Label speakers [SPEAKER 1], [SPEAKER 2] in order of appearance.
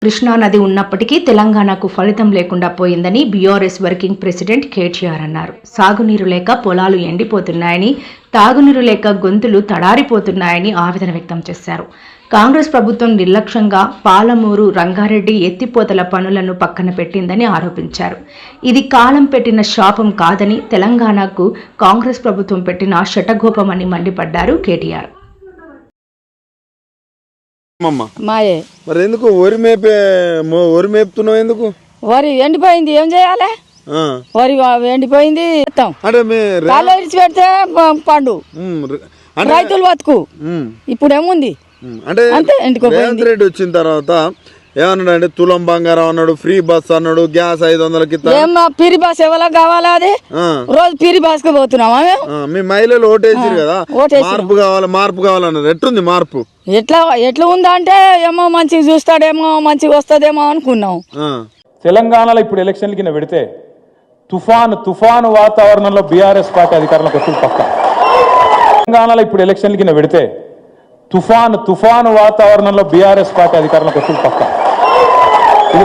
[SPEAKER 1] కృష్ణానది ఉన్నప్పటికీ తెలంగాణకు ఫలితం లేకుండా పోయిందని బీఆర్ఎస్ వర్కింగ్ ప్రెసిడెంట్ కేటీఆర్ అన్నారు. సాగునీరు లేక పొలాలు ఎండిపోతున్నాయని, తాగునీరు లేక గొంతులు తడారిపోతున్నాయని ఆవేదన వ్యక్తం చేశారు. కాంగ్రెస్ ప్రభుత్వం నిర్లక్ష్యంగా పాలమూరు, రంగారెడ్డి ఎత్తిపోతల పనులను పక్కన పెట్టిందని ఆరోపించారు. ఇది కాలం పెట్టిన శాపం కాదని, తెలంగాణకు కాంగ్రెస్ ప్రభుత్వం పెట్టిన శటగోపమని మండిపడ్డారు కేటీఆర్.
[SPEAKER 2] మరి ఎందుకు వరి మేపుతున్నావు? ఎందుకు
[SPEAKER 3] వరి ఎండిపోయింది, ఏం చేయాలి? వరి ఎండిపోయింది, ఇడిచి పెడితే పండు రైతులు బతుకు. ఇప్పుడు ఏముంది
[SPEAKER 2] అంటే రేవంత్ రెడ్డి వచ్చిన తర్వాత ఏమన్నాడు అంటే తులం బంగారం అన్నాడు, ఫ్రీ బస్ అన్నాడు, గ్యాస్ 500కి
[SPEAKER 3] ఫ్రీ బస్ ఎవరికి కావాలా? అది రోజు ఫ్రీ బస్ కు పోతున్నామా?
[SPEAKER 2] మీ మహిళలు ఓటేసారు కదా, మార్పు కావాలన్నారు. ఎట్లుంది మార్పు?
[SPEAKER 3] ఎట్లా ఉందంటే ఏమో మంచిగా చూస్తాడేమో, మంచిగా వస్తుందేమో అనుకున్నాం.
[SPEAKER 4] తెలంగాణలో ఇప్పుడు ఎలక్షన్ల కింద పెడితే తుఫాను వాతావరణంలో బీఆర్ఎస్ పార్టీ అధికారంలోకి వస్తుంది పక్క. తెలంగాణలో ఇప్పుడు ఎలక్షన్ల కింద పెడితే తుఫాను వాతావరణంలో బీఆర్ఎస్ పార్టీ అధికారంలోకి వస్తుంది పక్క.